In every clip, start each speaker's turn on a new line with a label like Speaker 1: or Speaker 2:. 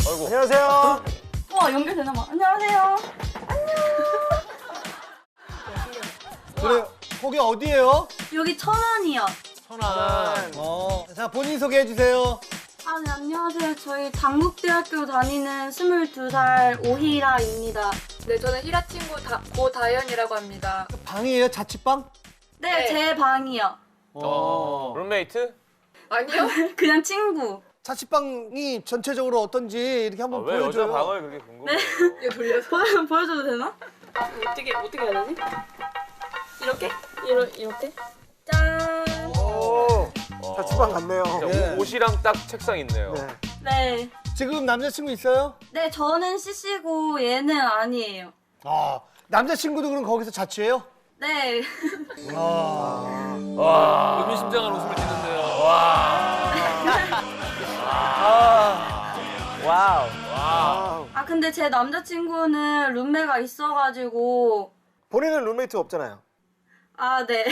Speaker 1: 아이고.
Speaker 2: 안녕하세요.
Speaker 3: 연결되나 봐. 안녕하세요.
Speaker 4: 그래, 거기 어디예요?
Speaker 3: 여기 천안이요.
Speaker 1: 천안.
Speaker 4: 자, 본인 소개해 주세요.
Speaker 3: 네, 안녕하세요. 저희 당국대학교 다니는 22살 오희라입니다.
Speaker 5: 네, 저는 히라 친구 고다연이라고 합니다.
Speaker 4: 방이에요? 자취방?
Speaker 3: 네, 제 방이요.
Speaker 1: 룸메이트?
Speaker 5: 아니요?
Speaker 3: 그냥 친구.
Speaker 4: 자취방이 전체적으로 어떤지 이렇게 한번
Speaker 1: 왜 여자
Speaker 4: 보여줘요.
Speaker 1: 방을 그렇게 궁금해?
Speaker 5: 이거 돌려서.
Speaker 3: 보여줘도 되나? 어떻게 해야 되지? 이렇게? 이렇게? 짠!
Speaker 2: 오, 자취방 같네요.
Speaker 4: 예.
Speaker 1: 옷이랑 딱 책상 있네요.
Speaker 2: 네.
Speaker 3: 네.
Speaker 4: 지금 남자친구 있어요?
Speaker 3: 네, 저는 CC고 얘는 아니에요.
Speaker 4: 남자친구도 그럼 거기서 자취해요?
Speaker 3: 네.
Speaker 1: 와. 의미심장한 웃음을 짓는데요.
Speaker 2: 와우.
Speaker 3: 근데 제 남자친구는 룸메가 있어가지고.
Speaker 2: 본인은 룸메이트 없잖아요.
Speaker 3: 네.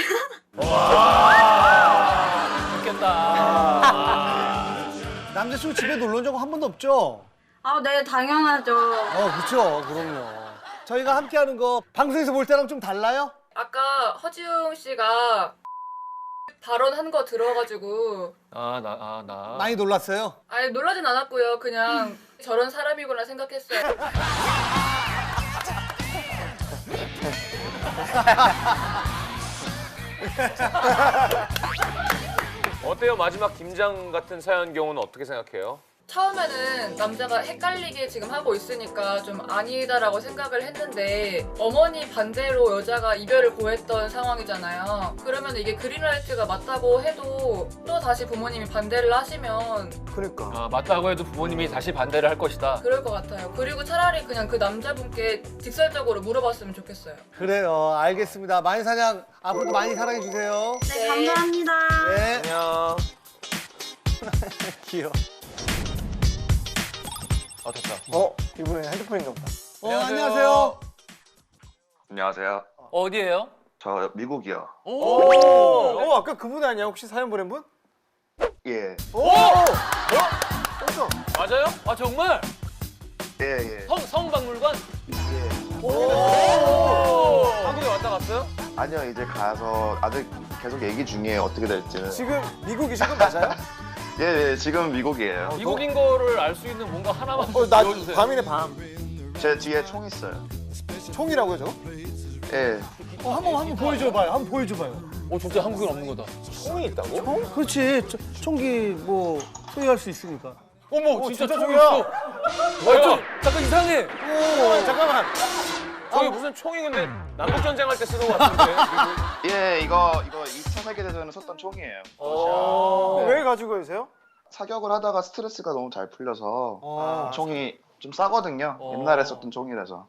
Speaker 1: 좋겠다.
Speaker 4: 남자친구 집에 놀러 온 적 한 번도 없죠?
Speaker 3: 네, 당연하죠.
Speaker 4: 그렇죠. 그럼요. 저희가 함께하는 거 방송에서 볼 때랑 좀 달라요?
Speaker 5: 아까 허지웅 씨가 발언한 거 들어가지고
Speaker 1: 나.
Speaker 4: 많이 놀랐어요?
Speaker 5: 아니 놀라진 않았고요. 그냥 저런 사람이구나 생각했어요.
Speaker 1: 어때요? 마지막 김장 같은 사연 경우는 어떻게 생각해요?
Speaker 5: 처음에는 남자가 헷갈리게 지금 하고 있으니까 좀 아니다라고 생각을 했는데 어머니 반대로 여자가 이별을 고했던 상황이잖아요. 그러면 이게 그린라이트가 맞다고 해도 또 다시 부모님이 반대를 하시면
Speaker 2: 그러니까.
Speaker 6: 맞다고 해도 부모님이 다시 반대를 할 것이다.
Speaker 5: 그럴 것 같아요. 그리고 차라리 그냥 그 남자분께 직설적으로 물어봤으면 좋겠어요.
Speaker 4: 그래요. 알겠습니다. 마인사냥 앞으로도 많이 사랑해주세요.
Speaker 3: 네, 감사합니다.
Speaker 4: 네.
Speaker 1: 안녕.
Speaker 4: 귀여워.
Speaker 1: 됐다.
Speaker 2: 이분은 핸드폰인가 보다.
Speaker 4: 안녕하세요.
Speaker 7: 안녕하세요.
Speaker 6: 어디예요?
Speaker 7: 저 미국이요.
Speaker 2: 아까 그분 아니야? 혹시 사연 보낸 분?
Speaker 7: 예.
Speaker 6: 맞아요? 정말?
Speaker 7: 예.
Speaker 6: 성박물관?
Speaker 7: 예.
Speaker 1: 한국에 왔다 갔어요?
Speaker 7: 아니요, 이제 가서 아직 계속 얘기 중이에요. 어떻게 될지는.
Speaker 2: 지금 미국이신 건 맞아요?
Speaker 7: 예, 지금 미국이에요.
Speaker 6: 미국인 거를 알 수 있는 뭔가 하나만
Speaker 2: 나
Speaker 6: 보여주세요.
Speaker 2: 밤이네 밤.
Speaker 7: 제 뒤에 총 있어요.
Speaker 2: 총이라고요 저거?
Speaker 7: 예.
Speaker 4: 한번 보여줘봐요. 한번 보여줘봐요.
Speaker 6: 진짜 한국엔 없는 거다.
Speaker 1: 총이 있다고?
Speaker 4: 총? 그렇지. 총기 뭐 소유할 수 있으니까.
Speaker 6: 어머, 진짜
Speaker 2: 진짜
Speaker 6: 총이
Speaker 2: 총이야.
Speaker 6: 있어. 잠깐 이상해.
Speaker 2: 잠깐만.
Speaker 1: 저기 무슨 총이 근데 남북전쟁 할 때 쓰는 것 같은데.
Speaker 7: 예, 이거 2차 세계대전에 썼던 총이에요.
Speaker 2: 왜 가지고 계세요?
Speaker 7: 사격을 하다가 스트레스가 너무 잘 풀려서 총이 좀 싸거든요. 옛날에 썼던 총이라서.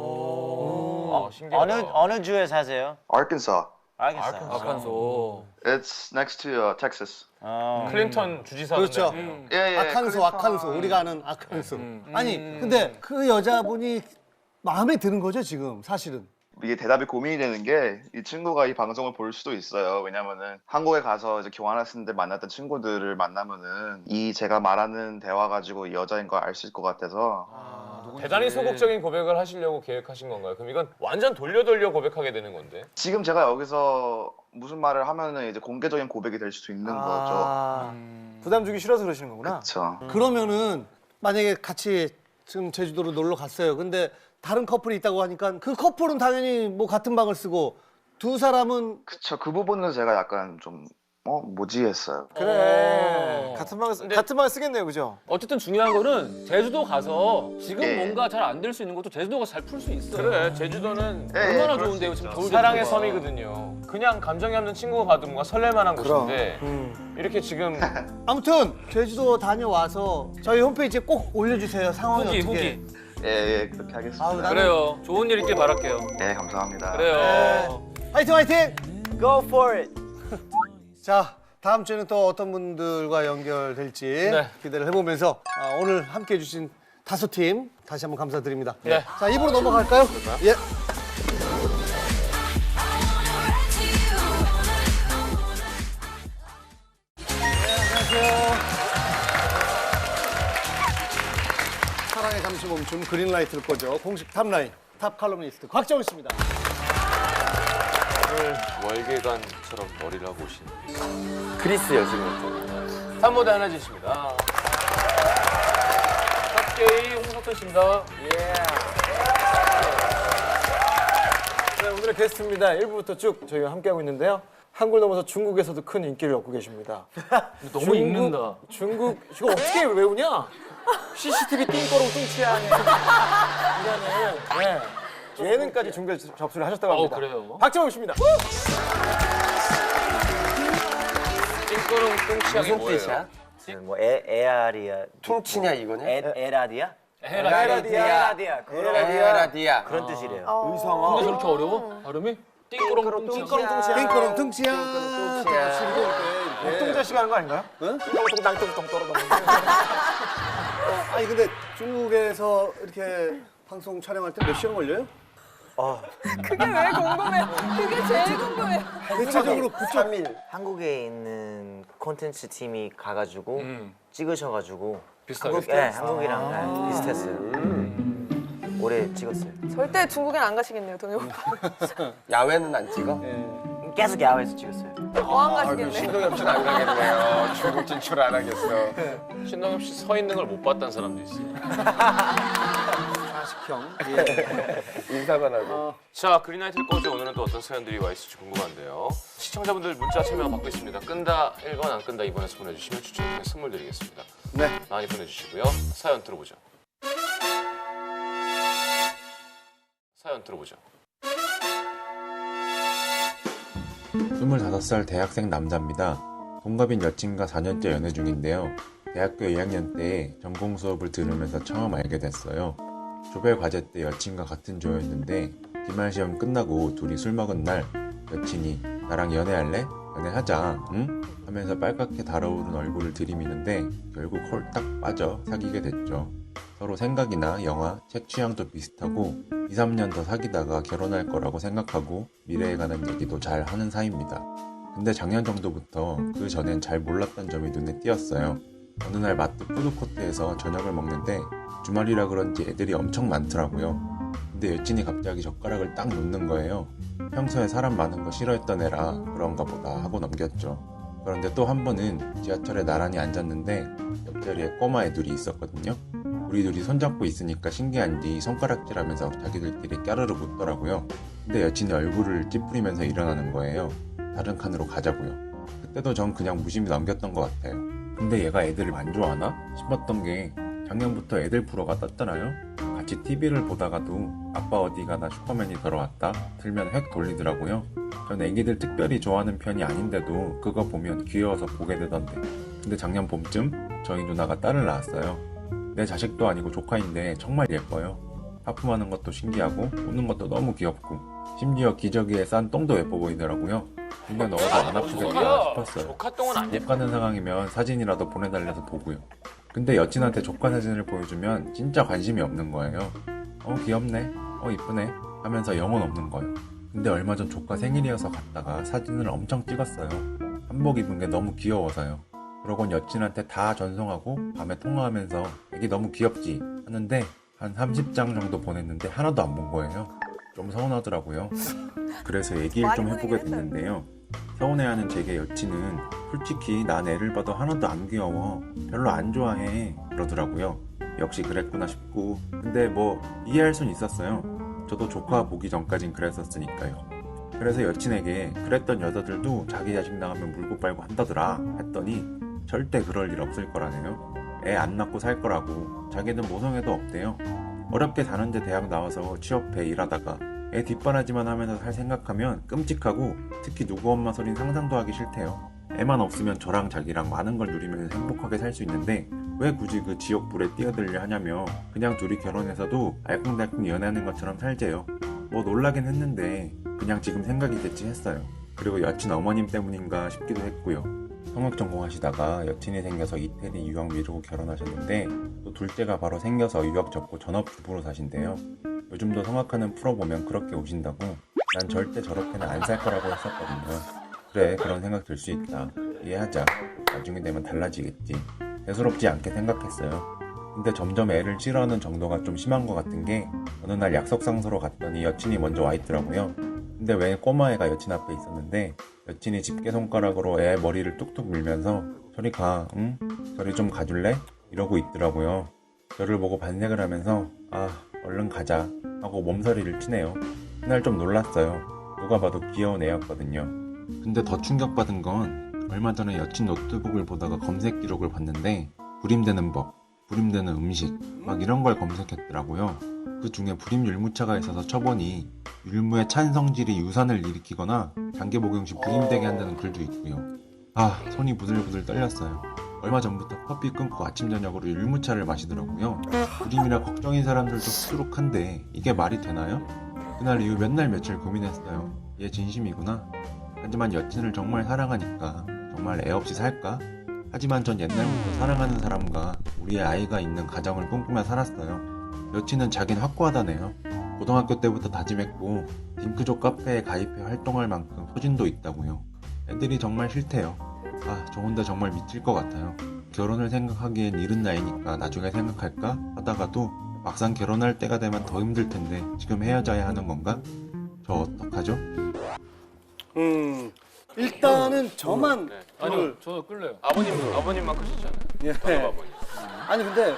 Speaker 1: 신기하다.
Speaker 8: 어느 주에 사세요?
Speaker 7: Arkansas.
Speaker 8: 알겠어요.
Speaker 6: 아칸소.
Speaker 7: It's next to Texas.
Speaker 1: 클린턴 주지사.
Speaker 4: 그렇죠.
Speaker 7: 예.
Speaker 4: 아칸소. 우리가 아는 아칸소. 아니, 근데 그 여자분이 마음에 드는 거죠, 지금 사실은.
Speaker 7: 이게 대답이 고민이 되는 게 이 친구가 이 방송을 볼 수도 있어요. 왜냐면은 한국에 가서 이제 교환학생 때 만났던 친구들을 만나면은 이 제가 말하는 대화 가지고 이 여자인 걸 알 수 있을 것 같아서
Speaker 1: 대단히 소극적인 고백을 하시려고 계획하신 건가요? 그럼 이건 완전 돌려 고백하게 되는 건데.
Speaker 7: 지금 제가 여기서 무슨 말을 하면은 이제 공개적인 고백이 될 수도 있는 거죠.
Speaker 2: 부담 주기 싫어서 그러시는 거구나.
Speaker 7: 그렇죠.
Speaker 4: 그러면은 만약에 같이 지금 제주도로 놀러 갔어요. 근데 다른 커플이 있다고 하니까 그 커플은 당연히 뭐 같은 방을 쓰고 두 사람은
Speaker 7: 그쵸. 그 부분은 제가 약간 좀 뭐지 했어요.
Speaker 2: 그래. 같은 방을 쓰겠네요, 그죠?
Speaker 6: 어쨌든 중요한 거는 제주도 가서 지금
Speaker 7: 예.
Speaker 6: 뭔가 잘 안 될 수 있는 것도 제주도가 잘 풀 수 있어요.
Speaker 1: 그래, 제주도는
Speaker 6: 얼마나
Speaker 7: 그럴 수
Speaker 6: 좋은데요,
Speaker 7: 있죠.
Speaker 6: 지금 겨울
Speaker 1: 사랑의
Speaker 6: 제주도가.
Speaker 1: 섬이거든요. 그냥 감정이 없는 친구가 가도 뭔가 설렐만한 곳인데 이렇게 지금
Speaker 4: 아무튼 제주도 다녀와서 저희 홈페이지에 꼭 올려주세요. 상황이 어떻게.
Speaker 6: 후기.
Speaker 7: 예, 그렇게 하겠습니다.
Speaker 4: 아우, 나는-
Speaker 6: 그래요. 좋은 일 있길 바랄게요.
Speaker 7: 네, 감사합니다.
Speaker 6: 그래요.
Speaker 4: 화이팅!
Speaker 8: Go for it.
Speaker 4: 자, 다음 주에는 또 어떤 분들과 연결될지
Speaker 1: 네.
Speaker 4: 기대를 해보면서 오늘 함께해 주신 5팀 다시 한번 감사드립니다.
Speaker 1: 네.
Speaker 4: 자, 입으로 넘어갈까요? 예. 사랑에 잠시 멈춤 그린라이트를 꺼죠. 공식 탑라인 탑 칼럼니스트 곽정은 씨입니다.
Speaker 1: 오늘 월계관처럼 머리를 하고 오신
Speaker 2: 그리스 여신 같은.
Speaker 1: 산모대 하나진 씨입니다. 탑게이 홍석천 씨입니다.
Speaker 2: 네, 오늘의 게스트입니다. 1부부터 쭉 저희가 함께하고 있는데요. 한국을 넘어서 중국에서도 큰 인기를 얻고 계십니다.
Speaker 6: 너무 읽는다.
Speaker 2: 중국 이거 어떻게 외우냐? CCTV 띵거롱 뚱치야. 이거는 예능까지 중계 접수를 하셨다고 합니다.
Speaker 6: 그래요?
Speaker 2: 박정우 씨입니다.
Speaker 1: 찡그렁 뚱치양이 뭐예요?
Speaker 8: 뭐 에아리아
Speaker 2: 퉁치냐 이거냐?
Speaker 8: 에라디아?
Speaker 2: 에라디아.
Speaker 8: 에라디아 그런 뜻이래요.
Speaker 2: 의성어.
Speaker 6: 근데 저렇게 어려워? 발음이? 띵꾸렁 뚱치.
Speaker 4: 띵거렁 퉁치야.
Speaker 2: 동자 씨가 하는 거 아닌가요? 똥똥똥똥 떨어져.
Speaker 4: 아니 근데 중국에서 이렇게 방송 촬영할 때 몇 시간 걸려요?
Speaker 9: 그게 왜 궁금해? 그게 제일 궁금해.
Speaker 4: 대체적으로 그쪽
Speaker 8: 한국에 있는 콘텐츠 팀이 가가지고 찍으셔가지고
Speaker 6: 비슷하게.
Speaker 8: 한국이랑 비슷했어요. 오래 찍었어요.
Speaker 9: 절대 중국엔 안 가시겠네요, 동해 오빠.
Speaker 2: 야외는 안 찍어?
Speaker 8: 계속 야외에서 찍었어요.
Speaker 9: 안 가시겠네.
Speaker 2: 신동엽 씨는 안 가겠네요. 중국 진출 안 하겠어.
Speaker 1: 신동엽 씨 서 있는 걸 못 봤다는 사람도 있어요.
Speaker 4: 사식형.
Speaker 2: 인사만 하고.
Speaker 1: 자, 그린라이트를 꺼져 오늘은 또 어떤 사연들이 와 있을지 궁금한데요. 시청자분들 문자 참여 받고 있습니다. 끈다 1번 안 끈다 2번에서 보내주시면 추첨 통해 선물 드리겠습니다.
Speaker 4: 네.
Speaker 1: 많이 보내주시고요. 사연 들어보죠. 사연 들어보죠.
Speaker 10: 25살 대학생 남자입니다. 동갑인 여친과 4년째 연애 중인데요. 대학교 2학년 때 전공 수업을 들으면서 처음 알게 됐어요. 조별 과제 때 여친과 같은 조였는데 기말 시험 끝나고 둘이 술 먹은 날 여친이 나랑 연애할래? 연애하자, 응? 하면서 빨갛게 달아오른 얼굴을 들이미는데 결국 홀딱 빠져 사귀게 됐죠. 서로 생각이나 영화, 책 취향도 비슷하고 2, 3년 더 사귀다가 결혼할 거라고 생각하고 미래에 관한 얘기도 잘 하는 사이입니다. 근데 작년 정도부터 그 전엔 잘 몰랐던 점이 눈에 띄었어요. 어느 날 마트 푸드코트에서 저녁을 먹는데 주말이라 그런지 애들이 엄청 많더라고요. 근데 여친이 갑자기 젓가락을 딱 놓는 거예요. 평소에 사람 많은 거 싫어했던 애라 그런가 보다 하고 넘겼죠. 그런데 또 한 번은 지하철에 나란히 앉았는데 옆자리에 꼬마 애들이 있었거든요. 우리 둘이 손잡고 있으니까 신기한지 손가락질하면서 자기들끼리 까르르 묻더라고요. 근데 여친이 얼굴을 찌푸리면서 일어나는 거예요. 다른 칸으로 가자고요. 그때도 전 그냥 무심히 넘겼던 것 같아요. 근데 얘가 애들을 안 좋아하나 싶었던 게 작년부터 애들 프로가 떴잖아요. 같이 TV를 보다가도 아빠 어디 가나 슈퍼맨이 들어왔다 틀면 획 돌리더라고요. 전 애기들 특별히 좋아하는 편이 아닌데도 그거 보면 귀여워서 보게 되던데. 근데 작년 봄쯤 저희 누나가 딸을 낳았어요. 내 자식도 아니고 조카인데 정말 예뻐요. 하품하는 것도 신기하고 웃는 것도 너무 귀엽고 심지어 기저귀에 싼 똥도 예뻐 보이더라고요. 근데 넣어도 안 아프겠다 싶었어요.
Speaker 1: 조카 똥은 안
Speaker 10: 못 가는 상황이면 사진이라도 보내달래서 보고요. 근데 여친한테 조카 사진을 보여주면 진짜 관심이 없는 거예요. 귀엽네, 이쁘네 하면서 영혼 없는 거예요. 근데 얼마 전 조카 생일이어서 갔다가 사진을 엄청 찍었어요. 한복 입은 게 너무 귀여워서요. 그러곤 여친한테 다 전송하고 밤에 통화하면서 애기 너무 귀엽지 하는데 한 30장 정도 보냈는데 하나도 안 본 거예요. 좀 서운하더라고요. 그래서 얘기를 좀 해보게 됐는데요. 서운해하는 제게 여친은 솔직히 난 애를 봐도 하나도 안 귀여워, 별로 안 좋아해 그러더라고요. 역시 그랬구나 싶고 근데 뭐 이해할 순 있었어요. 저도 조카 보기 전까진 그랬었으니까요. 그래서 여친에게 그랬던 여자들도 자기 자식 나가면 물고 빨고 한다더라 했더니 절대 그럴 일 없을 거라네요. 애 안 낳고 살 거라고. 자기는 모성애도 없대요. 어렵게 4년제 대학 나와서 취업해 일하다가 애 뒷바라지만 하면서 살 생각하면 끔찍하고 특히 누구 엄마 소린 상상도 하기 싫대요. 애만 없으면 저랑 자기랑 많은 걸 누리면서 행복하게 살 수 있는데 왜 굳이 그 지옥불에 뛰어들려 하냐며 그냥 둘이 결혼해서도 알콩달콩 연애하는 것처럼 살재요. 뭐 놀라긴 했는데 그냥 지금 생각이 됐지 했어요. 그리고 여친 어머님 때문인가 싶기도 했고요. 성악 전공하시다가 여친이 생겨서 이태리 유학 미루고 결혼하셨는데 또 둘째가 바로 생겨서 유학 접고 전업주부로 사신대요. 요즘도 성악하는 프로 보면 그렇게 우신다고 난 절대 저렇게는 안 살 거라고 했었거든요. 그래, 그런 생각 들 수 있다. 이해하자. 나중에 되면 달라지겠지. 대수롭지 않게 생각했어요. 근데 점점 애를 싫어하는 정도가 좀 심한 것 같은 게 어느 날 약속 장소로 갔더니 여친이 먼저 와 있더라고요. 근데 왜 꼬마애가 여친 앞에 있었는데 여친이 집게손가락으로 애 머리를 뚝뚝 밀면서 저리 가, 응? 저리 좀 가줄래? 이러고 있더라고요. 저를 보고 반색을 하면서 아 얼른 가자 하고 몸서리를 치네요. 그날 좀 놀랐어요. 누가 봐도 귀여운 애였거든요. 근데 더 충격받은 건 얼마 전에 여친 노트북을 보다가 검색 기록을 봤는데 불임되는 법, 불임되는 음식 막 이런 걸 검색했더라고요. 그 중에 불임 율무차가 있어서 쳐보니 율무의 찬 성질이 유산을 일으키거나 장기 복용 시 불임되게 한다는 글도 있고요. 아 손이 부들부들 떨렸어요. 얼마 전부터 커피 끊고 아침 저녁으로 율무차를 마시더라고요. 불임이라 걱정인 사람들도 수두룩한데 이게 말이 되나요? 그날 이후 몇 날 며칠 고민했어요. 얘 진심이구나. 하지만 여친을 정말 사랑하니까 정말 애 없이 살까? 하지만 전 옛날부터 사랑하는 사람과 우리의 아이가 있는 가정을 꿈꾸며 살았어요. 여친은 자긴 확고하다네요. 고등학교 때부터 다짐했고 딩크족 카페에 가입해 활동할 만큼 소진도 있다고요. 애들이 정말 싫대요. 아, 저 혼자 정말 미칠 것 같아요. 결혼을 생각하기엔 이른 나이니까 나중에 생각할까 하다가도 막상 결혼할 때가 되면 더 힘들 텐데 지금 헤어져야 하는 건가? 저 어떡하죠?
Speaker 4: 일단은 저만
Speaker 1: 네.
Speaker 6: 아니요, 저 끌래요.
Speaker 1: 아버님만 크시잖아요.
Speaker 4: 예.
Speaker 1: 아버님.
Speaker 4: 아니 근데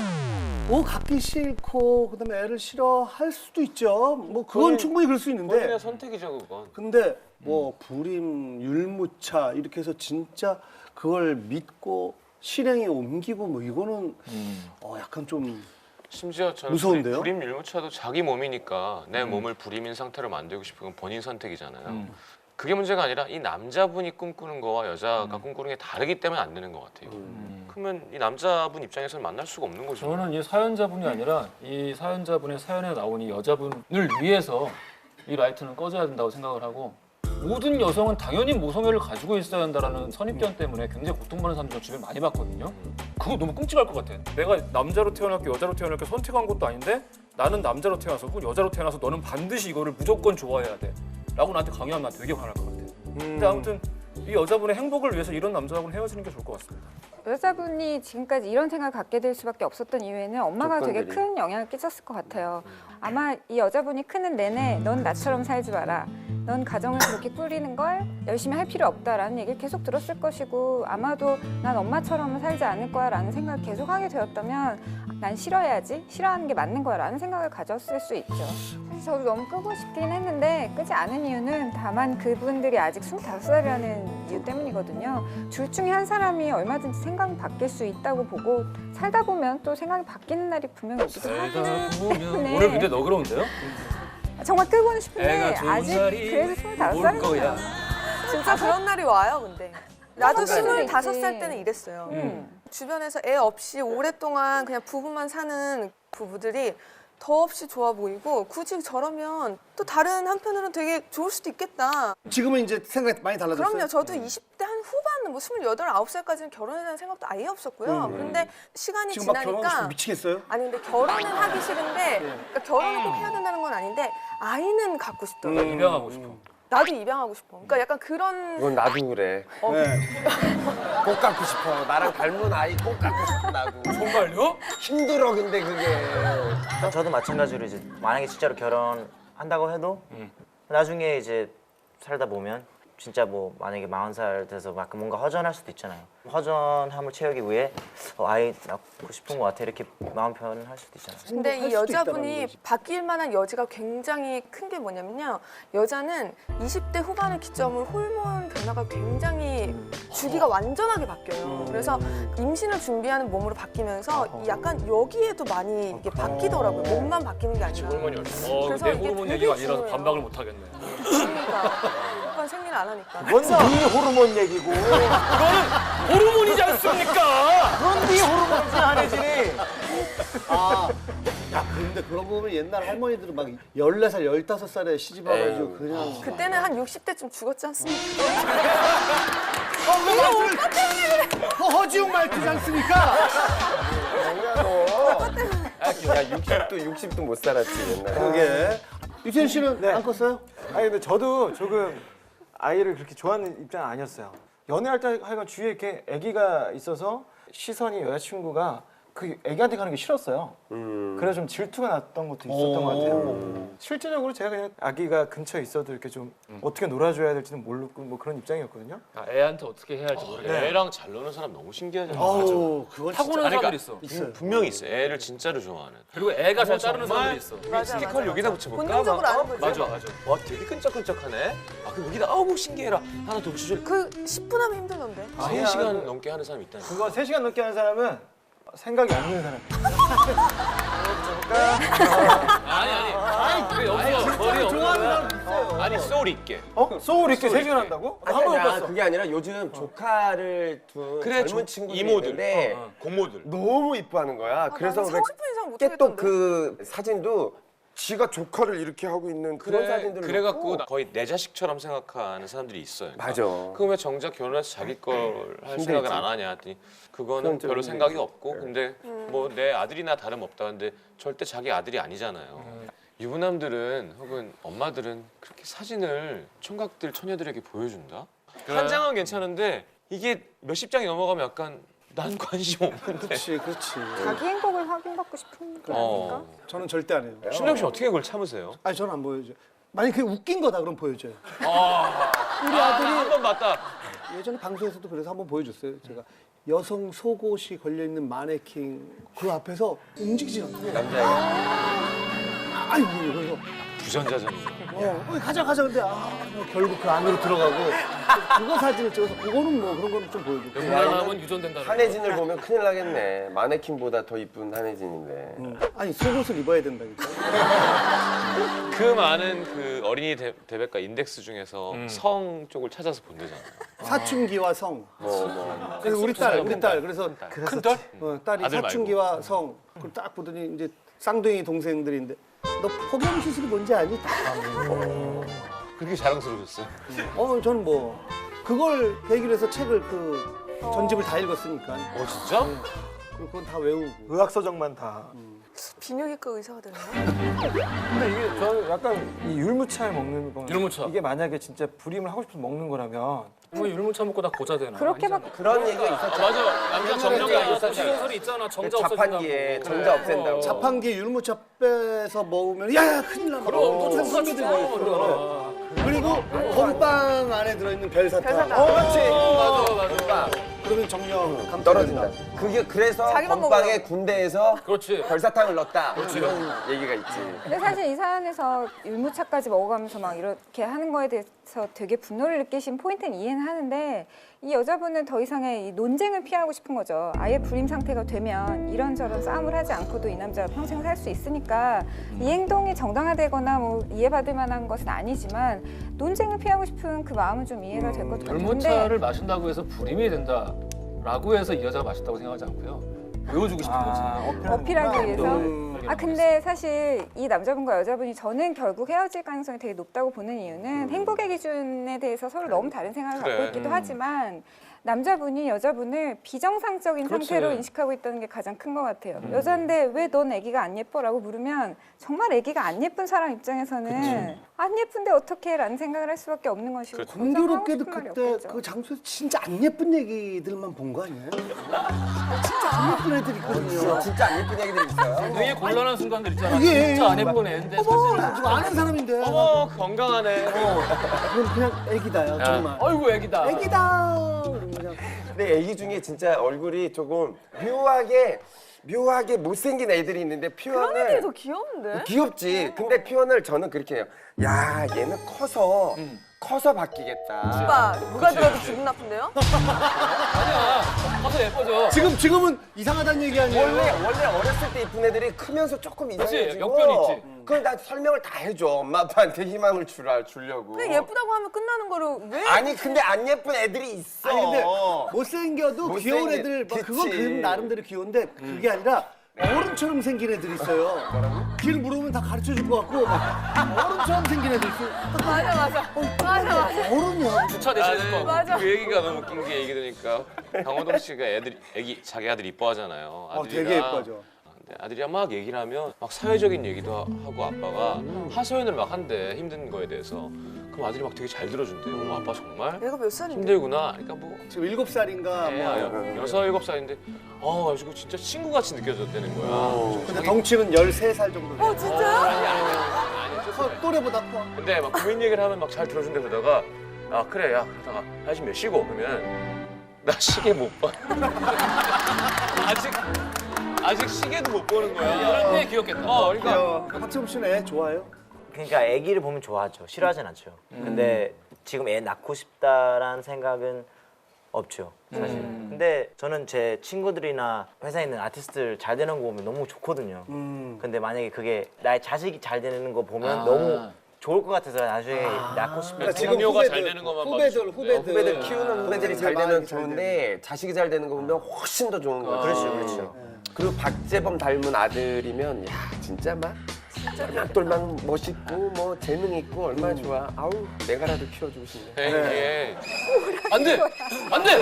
Speaker 4: 갖기 싫고 그다음에 애를 싫어할 수도 있죠. 뭐 그건 충분히 그럴 수 있는데.
Speaker 1: 본인의 선택이죠 그건.
Speaker 4: 근데 뭐 불임, 율무차 이렇게 해서 진짜 그걸 믿고 실행에 옮기고 뭐 이거는 약간 좀
Speaker 1: 심지어 저는
Speaker 4: 무서운데요?
Speaker 1: 불임 율무차도 자기 몸이니까 내 몸을 불임인 상태로 만들고 싶은 건 본인 선택이잖아요. 그게 문제가 아니라 이 남자분이 꿈꾸는 거와 여자가 꿈꾸는 게 다르기 때문에 안 되는 것 같아요. 그러면 이 남자분 입장에서는 만날 수가 없는 거죠.
Speaker 6: 저는 이 사연자분이 아니라 이 사연자분의 사연에 나온 이 여자분을 위해서 이 라이트는 꺼져야 된다고 생각을 하고 모든 여성은 당연히 모성애를 가지고 있어야 한다는 선입견 때문에 굉장히 고통받는 사람들 주변에 많이 봤거든요. 그거 너무 끔찍할 것 같아. 내가 남자로 태어났고 여자로 태어났고 선택한 것도 아닌데 나는 남자로 태어나서 여자로 태어나서 너는 반드시 이거를 무조건 좋아해야 돼 라고 나한테 강요하면 난 되게 화날 것 같아. 근데 아무튼 이 여자분의 행복을 위해서 이런 남자하고는 헤어지는 게 좋을 것 같습니다.
Speaker 9: 여자분이 지금까지 이런 생각을 갖게 될 수밖에 없었던 이유에는 엄마가 되게 큰 영향을 끼쳤을 것 같아요. 아마 이 여자분이 크는 내내 넌 나처럼 살지 마라. 넌 가정을 그렇게 꾸리는 걸 열심히 할 필요 없다라는 얘기를 계속 들었을 것이고 아마도 난 엄마처럼은 살지 않을 거야 라는 생각을 계속 하게 되었다면 난 싫어야지, 싫어하는 게 맞는 거야 라는 생각을 가졌을 수 있죠. 사실 저도 너무 끄고 싶긴 했는데 끄지 않은 이유는 다만 그분들이 아직 25살이라는 이유 때문이거든요. 둘 중에 한 사람이 얼마든지 생각이 바뀔 수 있다고 보고 살다 보면 또 생각이 바뀌는 날이 분명히 오기도 하기 때문에
Speaker 6: 오늘 근데 너그러운데요?
Speaker 9: 정말 끄고는 싶은데
Speaker 6: 애가 좋은
Speaker 9: 아직
Speaker 6: 살이
Speaker 9: 그래도 25살이니까
Speaker 11: 진짜 그런 날이 와요, 근데. 나도
Speaker 9: 그럴 수도
Speaker 11: 25살
Speaker 9: 있지.
Speaker 11: 때는 이랬어요. 주변에서 애 없이 오랫동안 그냥 부부만 사는 부부들이 더없이 좋아 보이고 굳이 저러면 또 다른 한편으로는 되게 좋을 수도 있겠다.
Speaker 4: 지금은 이제 생각이 많이 달라졌어요.
Speaker 11: 그럼요. 저도 20대 한 후반, 뭐 28, 9살까지는 결혼에 대한 생각도 아예 없었고요. 그런데 시간이
Speaker 4: 지금 막 결혼하고
Speaker 11: 지나니까
Speaker 4: 싶으면 미치겠어요?
Speaker 11: 아니 근데 결혼은 하기 싫은데 그러니까 결혼을 꼭 해야 된다는 건 아닌데 아이는 갖고 싶더라고요.
Speaker 6: 입양하고 싶어.
Speaker 11: 나도 입양하고 싶어. 그러니까 약간 그런
Speaker 12: 이건 나도 그래. 꼭 갖고 싶어. 나랑 닮은 아이 꼭 갖고 싶어 나도.
Speaker 6: 정말요?
Speaker 12: 힘들어 근데 그게.
Speaker 8: 저도 마찬가지로 이제 만약에 진짜로 결혼한다고 해도 나중에 이제 살다 보면 진짜 뭐 만약에 40살 돼서 막 뭔가 허전할 수도 있잖아요. 허전함을 채우기 위해 아이 낳고 싶은 것 같아 이렇게 마음 표현할 수도 있잖아요.
Speaker 11: 근데 이
Speaker 4: 수도
Speaker 11: 여자분이
Speaker 4: 있다는 거지.
Speaker 11: 바뀔 만한 여지가 굉장히 큰 게 뭐냐면요. 여자는 20대 후반을 기점으로 호르몬 변화가 굉장히 주기가 완전하게 바뀌어요. 그래서 임신을 준비하는 몸으로 바뀌면서 약간 여기에도 많이 이게 바뀌더라고요. 몸만 바뀌는 게 아니라.
Speaker 6: 호르몬이 얼마?
Speaker 11: 그래서
Speaker 6: 내
Speaker 11: 이게
Speaker 6: 호르몬
Speaker 11: 되게
Speaker 6: 얘기가 아니라서
Speaker 11: 중요해요.
Speaker 6: 반박을 못 하겠네.
Speaker 11: 그러니까 오빠는 생리를 안 하니까.
Speaker 12: 그건 네 호르몬 얘기고.
Speaker 6: 이거는 호르몬이지 않습니까?
Speaker 12: 그건 네 호르몬이지 한혜진이.
Speaker 4: 야, 근데 그런 거 보면 옛날 할머니들은 막 14살, 15살에 시집 와가지고 그냥.
Speaker 11: 그때는 한 60대쯤 죽었지 않습니까?
Speaker 4: 허지웅 말투지 않습니까?
Speaker 12: 뭐야 너. 야 60도 못 살았지 옛날에.
Speaker 4: 그게. 유태현 씨는
Speaker 2: 네.
Speaker 4: 안 컸어요?
Speaker 2: 아니 근데 저도 조금 아이를 그렇게 좋아하는 입장은 아니었어요. 연애할 때 하여간 주위에 이렇게 아기가 있어서 시선이 여자친구가 그 애기한테 가는 게 싫었어요. 그래서 좀 질투가 났던 것도 있었던 것 같아요. 실제적으로 제가 그냥 아기가 근처에 있어도 이렇게 좀 어떻게 놀아줘야 될지는 모르고 뭐 그런 입장이었거든요.
Speaker 6: 아, 애한테 어떻게 해야 할지 모르겠네.
Speaker 1: 애랑 잘 노는 사람 너무 신기하잖아요.
Speaker 4: 아우, 그건
Speaker 6: 타고난
Speaker 1: 아니,
Speaker 6: 사람들이
Speaker 1: 그러니까
Speaker 6: 있어.
Speaker 1: 분명히 있어요. 애를 진짜로 좋아하는.
Speaker 6: 그리고 애가 잘 따르는
Speaker 1: 정말?
Speaker 6: 사람들이 있어.
Speaker 1: 스티커를 여기다 붙여볼까?
Speaker 11: 본능적으로 아는 거죠.
Speaker 1: 맞아. 와 되게 끈적끈적하네. 아 그럼 여기다 아우 신기해라. 하나 더 붙여줄.
Speaker 11: 그 10분 하면 힘들던데.
Speaker 1: 3시간 넘게 하는 사람이 있다니까.
Speaker 2: 그거 3시간 넘게 하는 사람은 생각이 없는 사람.
Speaker 6: 아니 왜 여기서 머리 없는 거야?
Speaker 1: 아니 소울 있게.
Speaker 2: 소울 있게 3시간 한다고? 한 번도 못
Speaker 12: 아니야,
Speaker 2: 봤어.
Speaker 12: 그게 아니라 요즘 조카를 둔
Speaker 1: 그래
Speaker 12: 젊은 친구들이
Speaker 1: 이모들,
Speaker 12: 있는데
Speaker 1: 고모들.
Speaker 12: 너무 이뻐하는 거야. 그래서
Speaker 11: 나는 30분 이상 못
Speaker 12: 깨똑
Speaker 11: 하겠던데.
Speaker 12: 그 사진도 지가 조카를 이렇게 하고 있는 그런 사진들을
Speaker 1: 그래갖고
Speaker 12: 넣고.
Speaker 1: 거의 내 자식처럼 생각하는 사람들이 있어요. 그러니까
Speaker 12: 맞아.
Speaker 1: 그럼 왜 정작 결혼해서 자기 걸 할 생각을 안 하냐 했더니 그거는
Speaker 12: 그건 좀
Speaker 1: 별로
Speaker 12: 힘들지.
Speaker 1: 생각이 없고 근데 뭐 내 아들이나 다름없다 근데 절대 자기 아들이 아니잖아요. 유부남들은 혹은 엄마들은 그렇게 사진을 총각들 처녀들에게 보여준다? 한 장은 괜찮은데 이게 몇십 장이 넘어가면 약간 난 관심 없는데.
Speaker 4: 그렇지.
Speaker 9: 자기 행복을 확인받고 싶은 게 아닐까?
Speaker 4: 저는 절대 안 해요.
Speaker 1: 신동 씨 어떻게 그걸 참으세요?
Speaker 4: 아니 저는 안 보여줘요. 만약 그게 웃긴 거다 그럼 보여줘요.
Speaker 1: 우리 아들이 한 번 봤다.
Speaker 4: 예전에 방송에서도 그래서 한번 보여줬어요. 제가 여성 속옷이 걸려 있는 마네킹 그 앞에서 움직이지 않고 아이고 그래서
Speaker 1: 부전자전이죠.
Speaker 4: 가자 근데 결국 그 안으로 들어가고 그거 사진을 찍어서 그거는 뭐 그런 거는 좀 보여줘.
Speaker 6: 영감은 유전된다.
Speaker 12: 한혜진을 보면 큰일 나겠네. 마네킹보다 더 이쁜 한혜진인데.
Speaker 4: 아니 속옷을 입어야 된다니까.
Speaker 1: 그 많은 그 어린이 대백과 인덱스 중에서 성 쪽을 찾아서 본대잖아요.
Speaker 4: 사춘기와 성. 그래서 우리 딸 그래서
Speaker 1: 큰 딸?
Speaker 4: 딸이
Speaker 1: 아들 말고.
Speaker 4: 사춘기와 성. 그걸 딱 보더니 이제 쌍둥이 동생들인데 너 폭염 시술이 뭔지 아니?
Speaker 1: 그렇게 자랑스러우셨어요?
Speaker 4: 저는 뭐 그걸 계기로 해서 책을 그 전집을 다 읽었으니까.
Speaker 1: 진짜?
Speaker 4: 그리고 그건 다 외우고.
Speaker 2: 의학서적만 다.
Speaker 11: 비뇨기과 의사가 되나?
Speaker 2: 근데 이게 저는 약간 이 율무차를 먹는 건
Speaker 6: 율무차.
Speaker 2: 이게 만약에 진짜 불임을 하고 싶어서 먹는 거라면
Speaker 6: 뭐 율무차 먹고 다 고자 되나?
Speaker 9: 그렇게밖에
Speaker 12: 그런 얘기가 있었죠.
Speaker 6: 맞아. 남자 정자가
Speaker 12: 있었잖아요.
Speaker 6: 소리 있잖아. 정자
Speaker 12: 자판기에 정자 없앤다고.
Speaker 4: 자판기에 율무차 빼서 먹으면 야 큰일 나.
Speaker 6: 그럼 또
Speaker 4: 손님들이 그리고 건빵 안에 들어있는 별사탕.
Speaker 12: 그렇지.
Speaker 6: 맞아.
Speaker 4: 그러면 정령 감
Speaker 12: 떨어진다. 그게 그래서
Speaker 11: 자기만
Speaker 12: 건빵에
Speaker 11: 먹으라고.
Speaker 12: 군대에서
Speaker 6: 그렇지.
Speaker 12: 별사탕을 넣었다. 이런 얘기가 있지.
Speaker 9: 근데 사실 이 사안에서 율무차까지 먹어가면서 막 이렇게 하는 거에 대해서 되게 분노를 느끼신 포인트는 이해는 하는데 이 여자분은 더 이상의 이 논쟁을 피하고 싶은 거죠. 아예 불임 상태가 되면 이런저런 싸움을 하지 않고도 이 남자가 평생 살 수 있으니까 이 행동이 정당화되거나 뭐 이해받을 만한 것은 아니지만 논쟁을 피하고 싶은 그 마음은 좀 이해가 될 것 같아요.
Speaker 6: 율무차를 마신다고 해서 불임이 된다라고 해서 이 여자가 맛있다고 생각하지 않고요. 보여주고 싶은 거지.
Speaker 9: 어필하기 위해서. 근데 사실 이 남자분과 여자분이 저는 결국 헤어질 가능성이 되게 높다고 보는 이유는 행복의 기준에 대해서 서로 너무 다른 생각을 갖고 있기도 하지만 남자분이 여자분을 비정상적인 상태로 인식하고 있다는 게 가장 큰 것 같아요. 여잔데 왜 넌 애기가 안 예뻐라고 물으면 정말 애기가 안 예쁜 사람 입장에서는 안 예쁜데 어떻게 라는 생각을 할 수밖에 없는 것이고
Speaker 4: 공교롭게도 그때 그 장소에서 진짜 안 예쁜 얘기들만 본 거 아니에요? 진짜 안 예쁜 애들이 있거든요.
Speaker 12: 진짜 안 예쁜 얘기들이 있어요.
Speaker 6: 되게 곤란한 순간들 있잖아.
Speaker 4: 이게
Speaker 6: 진짜 안 예쁜 애인데
Speaker 4: 나 지금 아는 사람인데.
Speaker 1: 건강하네.
Speaker 4: 그건 그냥 애기다요, 정말.
Speaker 6: 아이고 애기다.
Speaker 4: 애기다. 그냥.
Speaker 12: 근데 애기 중에 진짜 얼굴이 조금 묘하게 못생긴 애들이 있는데
Speaker 11: 그런 애들이
Speaker 12: 표현을
Speaker 11: 더 귀여운데?
Speaker 12: 귀엽지. 근데 표현을 저는 그렇게 해요. 야, 얘는 커서 바뀌겠다.
Speaker 11: 오빠 누가 들어도 기분 나쁜데요?
Speaker 6: 아니야. 커서 예뻐져.
Speaker 4: 지금은 이상하다는 얘기 아니에요?
Speaker 12: 원래 어렸을 때 이쁜 애들이 크면서 조금
Speaker 6: 그치,
Speaker 12: 이상해지고.
Speaker 6: 역변이 있지.
Speaker 12: 그럼 나 설명을 다 해줘. 엄마 아빠한테 희망을 주려고.
Speaker 11: 근데 예쁘다고 하면 끝나는 거를 왜?
Speaker 12: 아니 근데 안 예쁜 애들이 있어.
Speaker 4: 아니 근데 못생겨도 귀여운
Speaker 12: 못생긴-
Speaker 4: 애들 막 그건
Speaker 12: 그치.
Speaker 4: 그 나름대로 귀여운데 그게 아니라 어른처럼 생긴 애들 있어요. 길 물어보면 다 가르쳐 줄 것 같고 막 어른처럼 생긴 애들 있어.
Speaker 11: 맞아.
Speaker 4: 어른이야.
Speaker 6: 주차 대신에 거.
Speaker 11: 맞아.
Speaker 1: 그 얘기가 너무 웃긴 게 얘기 들으니까 강호동 씨가 자기 아들 이뻐하잖아요.
Speaker 4: 되게 예뻐져.
Speaker 1: 근데 아들이랑 막 얘기를 하면 막 사회적인 얘기도 하고 아빠가 하소연을 막 한대 힘든 거에 대해서 그럼 아들이 막 되게 잘 들어준대요. 아빠 정말
Speaker 11: 얘가 몇 살인데?
Speaker 1: 힘들구나. 그러니까 뭐
Speaker 4: 지금 7살인가 뭐.
Speaker 1: 6, 7살인데 가지고 진짜 친구같이 느껴졌다는 거야.
Speaker 4: 근데 덩치는 13살 정도.
Speaker 11: 진짜요?
Speaker 1: 아니,
Speaker 4: 또래보다 커.
Speaker 1: 근데 막 고민 얘기를 하면 막 잘 들어준다 그러다가 그래 야 그러다가 지금 몇 시고 그러면 나 시계 못 봐. 아직 시계도 못 보는 거야.
Speaker 6: 이럴 때 귀엽겠다.
Speaker 1: 그러니까
Speaker 4: 박재범 씨는 애 좋아해요?
Speaker 8: 그러니까 아기를 보면 좋아하죠. 싫어하진 않죠. 근데 지금 애 낳고 싶다라는 생각은 없죠, 사실. 근데 저는 제 친구들이나 회사에 있는 아티스트들 잘 되는 거 보면 너무 좋거든요. 근데 만약에 그게 나의 자식이 잘 되는 거 보면 너무 좋을 것 같아서 나중에 낳고 싶다.
Speaker 1: 동료가 잘 되는 것만
Speaker 12: 후배들 키우는 후배들이 잘 되면
Speaker 4: 많이
Speaker 12: 좋은데 자식이 잘 되는 거 보면 훨씬 더 좋은 거죠.
Speaker 8: 그렇죠.
Speaker 12: 그리고 박재범 닮은 아들이면 야 진짜 막 똘망 멋있고 뭐 재능 있고 얼마나 좋아. 아우 내가라도 키워주고 싶네.
Speaker 1: 이게
Speaker 6: 안돼 그건 안돼.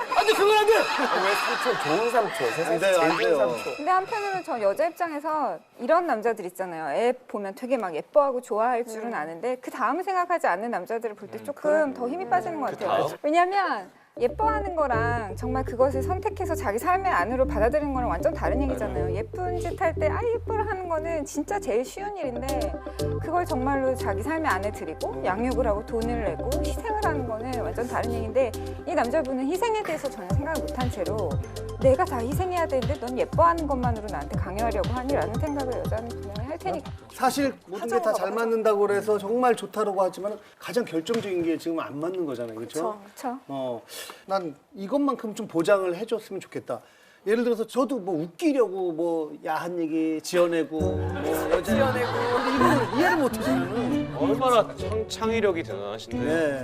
Speaker 12: 왜 삼촌 좋은 삼촌 세상에 제일 좋은 삼촌.
Speaker 9: 근데 한편으로 저 여자 입장에서 이런 남자들 있잖아요. 애 보면 되게 막 예뻐하고 좋아할 줄은 아는데 그 다음을 생각하지 않는 남자들을 볼 때 조금 더 힘이 빠지는 것 같아요. 왜냐면 예뻐하는 거랑 정말 그것을 선택해서 자기 삶의 안으로 받아들이는 거랑 완전 다른 얘기잖아요. 예쁜 짓 할 때 예뻐라 하는 거는 진짜 제일 쉬운 일인데 그걸 정말로 자기 삶의 안에 들이고 양육을 하고 돈을 내고 희생을 하는 거는 완전 다른 얘기인데 이 남자분은 희생에 대해서 전혀 생각을 못한 채로 내가 다 희생해야 되는데 넌 예뻐하는 것만으로 나한테 강요하려고 하니라는 생각을 여자는 분명히 할 테니까.
Speaker 4: 사실 모든 게 다 잘 맞는다고 그래서 정말 좋다라고 하지만 가장 결정적인 게 지금 안 맞는 거잖아요. 그렇죠?
Speaker 9: 그렇죠.
Speaker 4: 난 이것만큼 좀 보장을 해줬으면 좋겠다. 예를 들어서 저도 뭐 웃기려고 뭐 야한 얘기 지어내고 뭐 여자 지어내고 이걸 이해를 못해서는
Speaker 1: 얼마나 창의력이 대단하신데.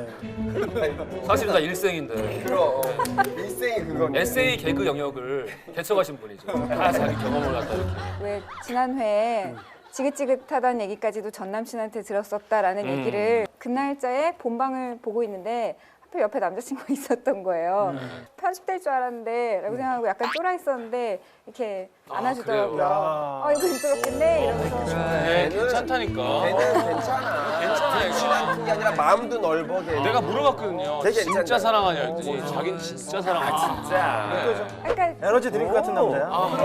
Speaker 4: 네.
Speaker 6: 사실은 다 일생인데
Speaker 12: 그럼 일생이 그거네.
Speaker 6: 에세이 개그 영역을 개척하신 분이죠. 다 자기 경험을 갖다 이렇게.
Speaker 9: 왜 지난 회에 지긋지긋하다는 얘기까지도 전 남친한테 들었었다라는 얘기를 그날짜에 본방을 보고 있는데 하필 옆에 남자친구가 있었던 거예요. 편집될 줄 알았는데 라고 생각하고 약간 쫄아 있었는데 이렇게 안아주더라고요. 이거 힘들었겠네 이러면서.
Speaker 1: 괜찮다니까.
Speaker 12: 걔는 괜찮아.
Speaker 1: 괜찮아요.
Speaker 12: 게 아니라 마음도 넓어 걔.
Speaker 1: 내가 물어봤거든요.
Speaker 12: 되게
Speaker 1: 진짜
Speaker 12: 괜찮다.
Speaker 1: 사랑하냐 했더니 자기는 진짜 사랑하지.
Speaker 12: 진짜.
Speaker 9: 그러니까
Speaker 2: 에너지 드링크 같은 남자야.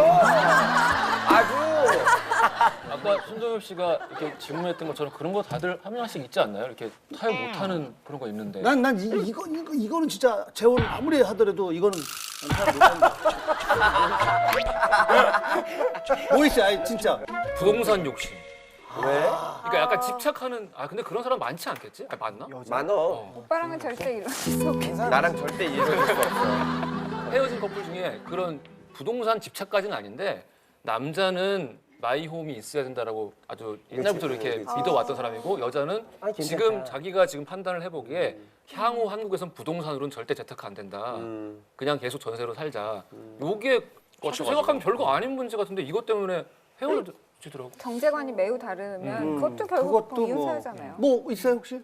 Speaker 12: 아주.
Speaker 6: 아까 손정엽 씨가 이렇게 질문했던 것처럼 그런 거 다들 한 명씩 있지 않나요? 이렇게 타협 못하는 그런 거 있는데.
Speaker 4: 난 이거는 진짜 재혼 아무리 하더라도 이거는 난 못한다. 뭐 있어요? 아니, 진짜.
Speaker 6: 부동산 욕심.
Speaker 12: 왜?
Speaker 6: 그러니까 약간 집착하는. 근데 그런 사람 많지 않겠지? 맞나?
Speaker 12: 많어.
Speaker 9: 오빠랑은 절대 이럴 수 없겠어.
Speaker 12: 나랑 절대 이해해줄 수 없어.
Speaker 6: 헤어진 커플 중에 그런 부동산 집착까지는 아닌데 남자는 마이홈이 있어야 된다라고 아주 옛날부터 이렇게 믿어왔던 사람이고 여자는 지금 자기가 지금 판단을 해보기에 향후 한국에선 부동산으로는 절대 재테크 안 된다. 그냥 계속 전세로 살자. 요게 사실 생각하면 별거 아닌 문제 같은데 이것 때문에 헤어지더라고.
Speaker 9: 경제관이 매우 다르면 그것도 결국
Speaker 4: 그것도
Speaker 9: 이혼사유잖아요.
Speaker 4: 뭐 있어요 혹시?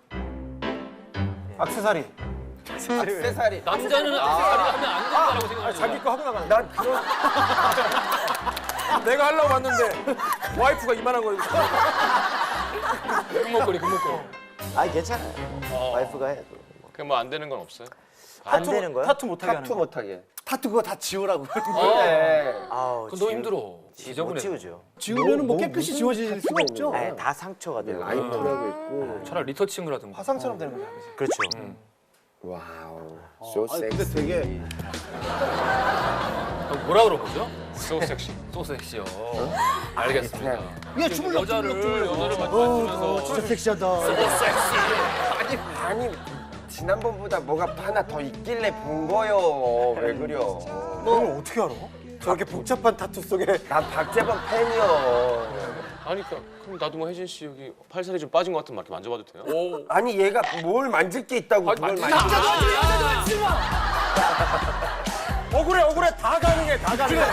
Speaker 2: 액세서리.
Speaker 12: 세살이.
Speaker 6: 남자는 악세사리를 하면 안 된다라고 생각하죠.
Speaker 2: 자기 거 하고 나가는.
Speaker 12: 난 그런.
Speaker 2: 내가 하려고 왔는데 와이프가 이만한 거.
Speaker 6: 금목걸이.
Speaker 8: 괜찮아요. 와이프가 해도.
Speaker 1: 그럼 뭐 안 되는 건 없어요?
Speaker 8: 안 되는 거야?
Speaker 2: 타투 못하게 하는
Speaker 12: 타투
Speaker 2: 거.
Speaker 12: 못하게.
Speaker 4: 타투 그거 다 지우라고.
Speaker 12: 그래.
Speaker 8: 아우,
Speaker 6: 그건 너무 힘들어.
Speaker 8: 못
Speaker 6: 지저분해.
Speaker 8: 지우죠.
Speaker 4: 지우면은 뭐 깨끗이 지워질 수가 없죠.
Speaker 8: 다 상처가 돼요.
Speaker 12: 라이프라고 있고.
Speaker 6: 차라리 리터칭을 하든가.
Speaker 2: 화상처럼 되는 거야.
Speaker 8: 그렇죠.
Speaker 12: 와우. So
Speaker 4: 아니, 근데
Speaker 12: sexy.
Speaker 4: 되게
Speaker 6: 뭐라 그런 거죠?
Speaker 1: So 섹시.
Speaker 6: 소섹시요. 알겠습니다.
Speaker 4: 야 주물럭
Speaker 6: 여자를
Speaker 4: 주물럭.
Speaker 6: 만지면서
Speaker 4: 진짜 섹시하다.
Speaker 12: 아니 지난번보다 뭐가 하나 더 있길래 본 거요. 왜 그려?
Speaker 2: 너는 어떻게 알아? 저렇게 복잡한 타투 속에.
Speaker 12: 난 박재범 팬이요.
Speaker 1: 아니 그럼 나도 뭐 혜진 씨 여기 팔살이 좀 빠진 것 같은 말 이렇게 만져봐도 돼요?
Speaker 6: 오.
Speaker 12: 아니 얘가 뭘 만질 게 있다고 그걸 만질.
Speaker 2: 억울해 다 가능해 다 가능해.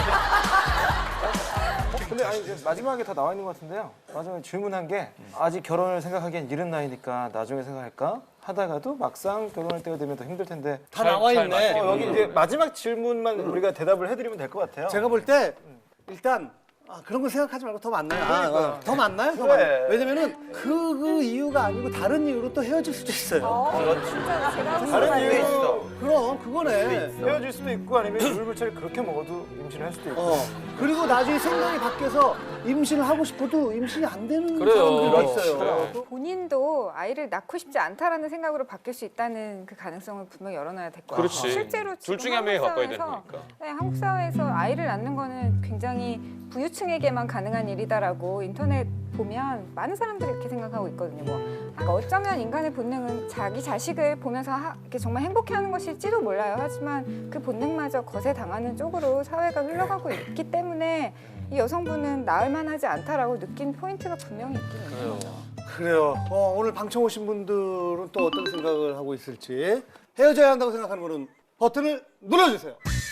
Speaker 2: 근데 아니 이제 마지막에 다 나와 있는 것 같은데요. 마지막에 질문한 게 아직 결혼을 생각하기엔 이른 나이니까 나중에 생각할까 하다가도 막상 결혼할 때가 되면 더 힘들 텐데
Speaker 4: 다 나와 있네.
Speaker 2: 여기 이제 마지막 질문만 우리가 대답을 해드리면 될 것 같아요.
Speaker 4: 제가 볼 때 일단 아, 그런 거 생각하지 말고 더 만나요. 더 만나요? 더 만나요. 왜냐면은 그 이유가 아니고 다른 이유로 또 헤어질 수도 있어요.
Speaker 9: 진짜 제가
Speaker 2: 다른 이유 있어.
Speaker 4: 그럼 그거네.
Speaker 2: 헤어질 수도 있고 아니면 물불차를 그렇게 먹어도 임신을 할 수도 있고.
Speaker 4: 그리고 나중에 생각이 바뀌어서 임신을 하고 싶어도 임신이 안 되는
Speaker 6: 그래요.
Speaker 4: 사람들도 있어요.
Speaker 6: 그래.
Speaker 9: 본인도 아이를 낳고 싶지 않다라는 생각으로 바뀔 수 있다는 그 가능성을 분명 열어놔야 될 것 같아요.
Speaker 1: 그렇지.
Speaker 9: 실제로
Speaker 1: 둘
Speaker 9: 지금
Speaker 1: 중에 한 명이 바꿔야 되는
Speaker 9: 한국
Speaker 1: 거니까.
Speaker 9: 네, 한국 사회에서 아이를 낳는 거는 굉장히 부유층에게만 가능한 일이다라고 인터넷 보면 많은 사람들이 이렇게 생각하고 있거든요. 그러니까 어쩌면 인간의 본능은 자기 자식을 보면서 이렇게 정말 행복해하는 것일지도 몰라요. 하지만 그 본능마저 거세당하는 쪽으로 사회가 흘러가고 있기 때문에 이 여성분은 낳을 만하지 않다라고 느낀 포인트가 분명히 있긴 있는 거죠.
Speaker 4: 그래요. 오늘 방청 오신 분들은 또 어떤 생각을 하고 있을지 헤어져야 한다고 생각하는 분은 버튼을 눌러주세요.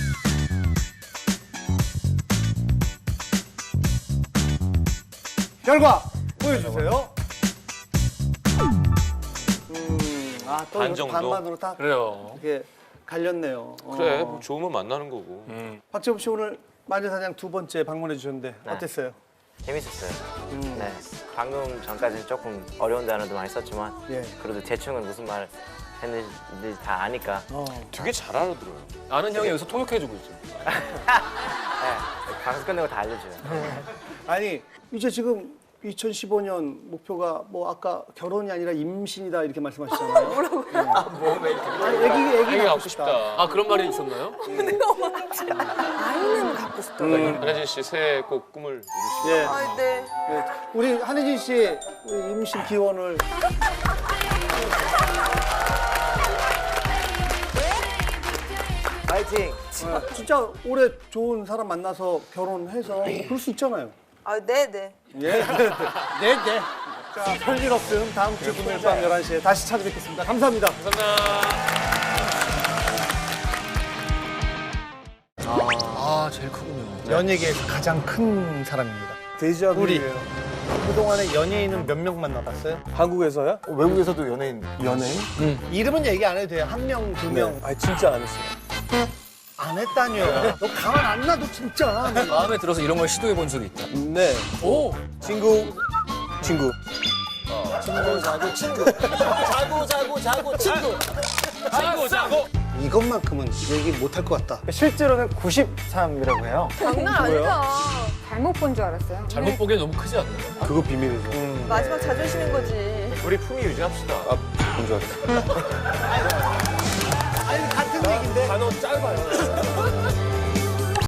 Speaker 4: 결과 보여주세요. 또
Speaker 1: 반
Speaker 4: 이것도
Speaker 1: 정도?
Speaker 4: 반반으로 다
Speaker 6: 그래요.
Speaker 4: 이렇게 갈렸네요.
Speaker 1: 그래, 뭐 좋으면 만나는 거고.
Speaker 4: 박재범 씨 오늘 마녀사냥 두 번째 방문해 주셨는데
Speaker 8: 네.
Speaker 4: 어땠어요?
Speaker 8: 재밌었어요. 네. 방금 전까지는 조금 어려운 단어도 많이 썼지만
Speaker 4: 예.
Speaker 8: 그래도 대충은 무슨 말 했는지 다 아니까
Speaker 1: 되게 잘 알아들어요.
Speaker 6: 아는 형이 여기서 통역해주고 있죠.
Speaker 8: 네. 방송 끝내고 다 알려줘요.
Speaker 4: 아니 이제 지금 2015년 목표가 뭐 아까 결혼이 아니라 임신이다 이렇게 말씀하셨잖아요. 뭐라고요? 애기
Speaker 1: 갖고 싶다.
Speaker 6: 아 그런 말이 있었나요?
Speaker 11: 아이는 갖고 싶다.
Speaker 1: 한혜진 씨 새해 꼭 꿈을 이루시고.
Speaker 4: 예.
Speaker 11: 아, 네.
Speaker 4: 네. 우리 한혜진 씨 우리 임신 기원을
Speaker 8: 파이팅!
Speaker 4: 진짜 올해 좋은 사람 만나서 결혼해서 그럴 수 있잖아요.
Speaker 11: 아, 네, 네.
Speaker 4: 예. 네. 자, 별일 없음 다음 주 금요일 밤 11시에 다시 찾아뵙겠습니다. 감사합니다.
Speaker 6: 아 제일 크군요.
Speaker 4: 연예계에서 가장 큰 사람입니다. 데자뷰예요. 그동안에 연예인은 몇 명 만나봤어요?
Speaker 2: 한국에서요? 외국에서도 연예인.
Speaker 4: 이름은 얘기 안 해도 돼요. 한 명, 두 명.
Speaker 2: 아 진짜 안 했어요.
Speaker 4: 안 했다니요. 너 가만 안 놔도 진짜.
Speaker 6: 마음에 들어서 이런 걸 시도해 본 적이 있다.
Speaker 2: 네.
Speaker 6: 오.
Speaker 2: 친구. 친구.
Speaker 4: 이것만큼은 얘기 못 할 것 같다.
Speaker 2: 실제로는 93이라고 해요.
Speaker 11: 장난 아니다.
Speaker 9: 잘못 본 줄 알았어요.
Speaker 6: 잘못 보기엔 너무 크지 않나요?
Speaker 2: 그거 비밀이죠.
Speaker 11: 마지막 자존심인 거지.
Speaker 1: 우리 품위 유지합시다.
Speaker 2: 본 줄 알았어.
Speaker 4: 아니 같은 얘기인데.
Speaker 2: 단어 짧아요.